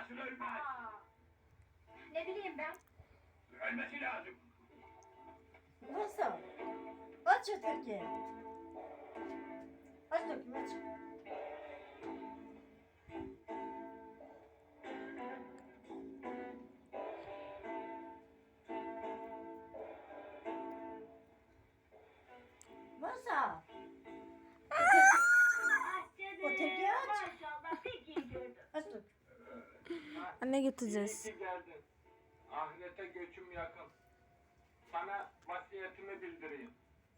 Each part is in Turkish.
nasıl ölmez? Ne bileyim ben. Ölmesi lazım. Nasıl? Aç öteki. Aç bakayım aç. Masa. Öteki aç. Maşallah pek iyi gördüm. Aç bak. Anne İyi getireceğiz. ki geldin. Ahirete göçüm yakın. Sana vasiyetimi bildireyim.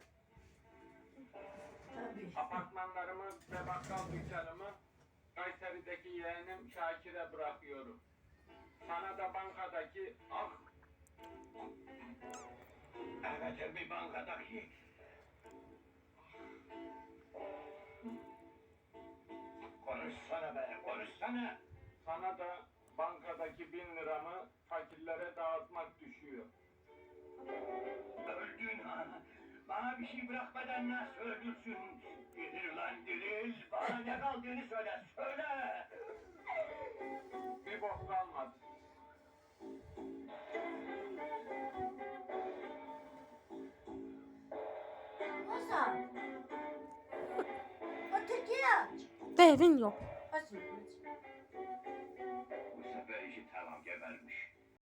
Tabii. Apartmanlarımı ve bakkal dükkanımı Kayseri'deki yeğenim Şakir'e bırakıyorum. Sana da bankadaki Evet bir bankadaki. Konuşsana be, konuşsana. sana da bankadaki 1000 liramı fakirlere dağıtmak düşüyor. Öldün ha. Bana bir şey bırakmadan nasıl öldürsün? Diril lan diril. Bana ne kaldığını söyle, söyle. Bir bok kalmadı. Masa. Öteki aç. Devin yok. Aç bakayım aç. Bu sefer işi tamam gebermiş.